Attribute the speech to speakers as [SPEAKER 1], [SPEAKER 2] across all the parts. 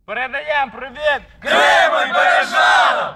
[SPEAKER 1] Передаємо привіт
[SPEAKER 2] Криму й Бережанам!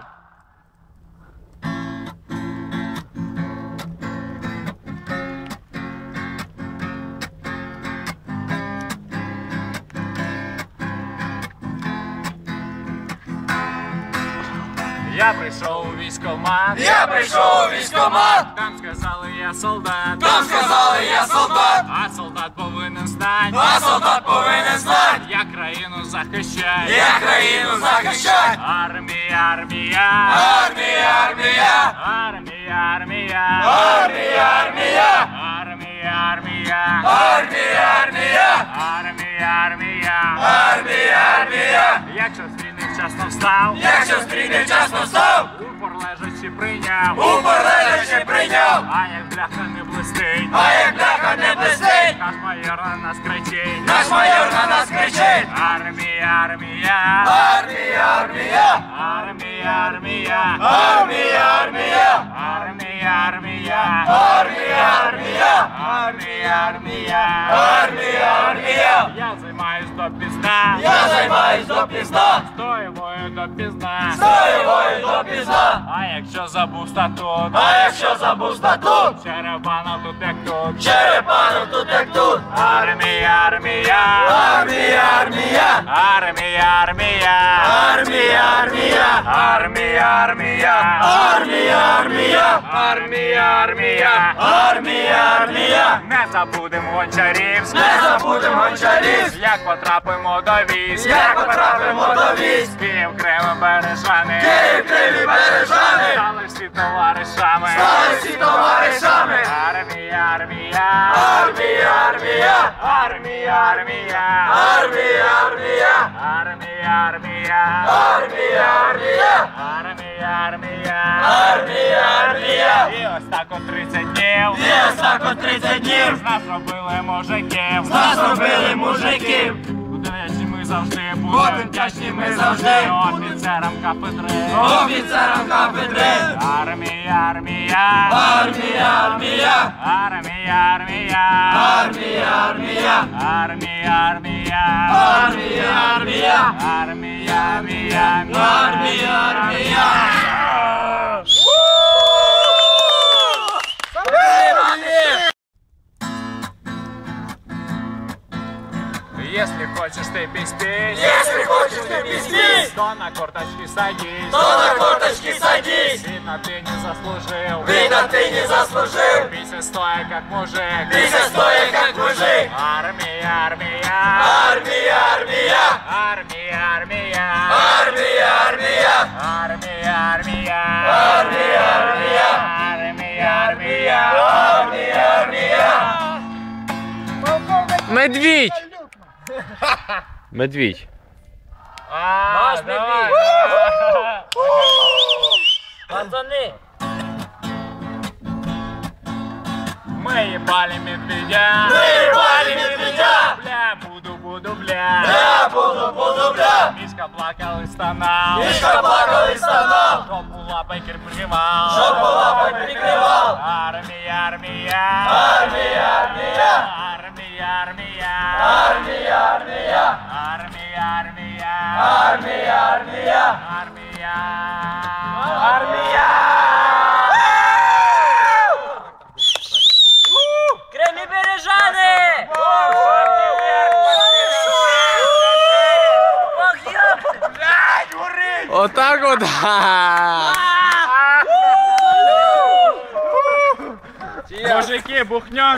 [SPEAKER 1] Я прийшов у військкомат.
[SPEAKER 2] Я прийшов у військкомат.
[SPEAKER 1] Там сказали, я солдат.
[SPEAKER 2] Там сказали, я солдат.
[SPEAKER 1] А солдат повинен знати.
[SPEAKER 2] А солдат повинен знати.
[SPEAKER 1] Я країну захищаю.
[SPEAKER 2] Я країну захищаю.
[SPEAKER 1] Армія, армія.
[SPEAKER 2] Армія, армія.
[SPEAKER 1] Армія, армія.
[SPEAKER 2] Армія, армія.
[SPEAKER 1] Армія, армія.
[SPEAKER 2] Армія, армія.
[SPEAKER 1] Армія, армія.
[SPEAKER 2] Армія, армія.
[SPEAKER 1] Якщо з війни вчасно встав.
[SPEAKER 2] Якщо стрій вчасно став.
[SPEAKER 1] Упор лежачи прийняв.
[SPEAKER 2] Упор лежачи прийняв.
[SPEAKER 1] А як бляха не блистить.
[SPEAKER 2] А як бляха не блистить.
[SPEAKER 1] Наш майор на нас кричить.
[SPEAKER 2] Наш майор на нас кричить.
[SPEAKER 1] Армія, армія.
[SPEAKER 2] Армія, армія.
[SPEAKER 1] Армія, армія.
[SPEAKER 2] Армія, армія.
[SPEAKER 1] Армія, армія.
[SPEAKER 2] Армія, армія.
[SPEAKER 1] Армія, армія.
[SPEAKER 2] Армія, армія.
[SPEAKER 1] Я займаюсь допізна.
[SPEAKER 2] Я займаюсь допізна.
[SPEAKER 1] Стоєвою допізна.
[SPEAKER 2] Стоєвою допізна.
[SPEAKER 1] А якщо забув статут.
[SPEAKER 2] А якщо забув статут.
[SPEAKER 1] Черепанов тут як тут.
[SPEAKER 2] Черепанов тут як тут.
[SPEAKER 1] Армія, армія.
[SPEAKER 2] Армія, армія.
[SPEAKER 1] Армія, армія.
[SPEAKER 2] Армія, армія.
[SPEAKER 1] Армія, армія.
[SPEAKER 2] Армія, армія.
[SPEAKER 1] Армія, армія.
[SPEAKER 2] Армія, армія.
[SPEAKER 1] Не забудемо Гончарівськ.
[SPEAKER 2] Не забудемо Гончарівськ.
[SPEAKER 1] Як потрапимо до військ.
[SPEAKER 2] Як потрапимо до військ.
[SPEAKER 1] Київ, Крим і Бережани.
[SPEAKER 2] Київ, Крим і Бережани.
[SPEAKER 1] Стали всі товаришами.
[SPEAKER 2] Стали всі товаришами.
[SPEAKER 1] Армія, армія.
[SPEAKER 2] Армія, армія.
[SPEAKER 1] Армія, армія.
[SPEAKER 2] Армія, армія.
[SPEAKER 1] Армія, армія.
[SPEAKER 2] Армія, армія.
[SPEAKER 1] Армія, армія.
[SPEAKER 2] Армія, армія.
[SPEAKER 1] І ось так от 30 днів.
[SPEAKER 2] І ось так от 30 днів.
[SPEAKER 1] З нас робили мужиків.
[SPEAKER 2] З нас робили мужиків.
[SPEAKER 1] Вдячні ми завжди будемо.
[SPEAKER 2] Вдячні ми завжди.
[SPEAKER 1] Офіцерам кафедри.
[SPEAKER 2] Офіцерам кафедри.
[SPEAKER 1] Армія, армія.
[SPEAKER 2] Армія, армія.
[SPEAKER 1] Армія, армія.
[SPEAKER 2] Армія, армія.
[SPEAKER 1] Армія, армія.
[SPEAKER 2] Армія, армія.
[SPEAKER 1] Армія, армія.
[SPEAKER 2] Армія, армія.
[SPEAKER 1] Если хочешь ты пиздеть,
[SPEAKER 2] Если хочешь ты пиздеть,
[SPEAKER 1] то на корточки садись.
[SPEAKER 2] то на корточки садись.
[SPEAKER 1] Видно, ты не заслужил.
[SPEAKER 2] Видно, ты не заслужил.
[SPEAKER 1] Бейся стоя, как мужик.
[SPEAKER 2] Бейся стоя, как мужик.
[SPEAKER 1] Армия, армия.
[SPEAKER 2] Армия, армия.
[SPEAKER 1] Армия, армия.
[SPEAKER 2] Армия, армия.
[SPEAKER 1] Армия, армия.
[SPEAKER 2] Армия, армия.
[SPEAKER 1] Армия, армия.
[SPEAKER 2] Армия, армия.
[SPEAKER 3] Медвідь! Медвідь.
[SPEAKER 1] Наш
[SPEAKER 2] медведь.
[SPEAKER 1] Пацаны. Мы ебали медведя.
[SPEAKER 2] Мы ебали медведя.
[SPEAKER 1] Бля, буду, бля.
[SPEAKER 2] Я буду, бля.
[SPEAKER 1] Мишка плакал и стонал.
[SPEAKER 2] Мишка плакал и стонал.
[SPEAKER 1] Жопу лапой прикрывал.
[SPEAKER 2] Жопу лапой прикрывал.
[SPEAKER 1] Армия, армия.
[SPEAKER 2] Армия, армия.
[SPEAKER 1] Армия, армия.
[SPEAKER 2] Армия, армия.
[SPEAKER 1] Армия, армия.
[SPEAKER 2] Армия, армия.
[SPEAKER 1] Армия.
[SPEAKER 2] Армия.
[SPEAKER 4] Крим і Бережани!
[SPEAKER 3] Отак от.
[SPEAKER 1] Мужики, бухнем.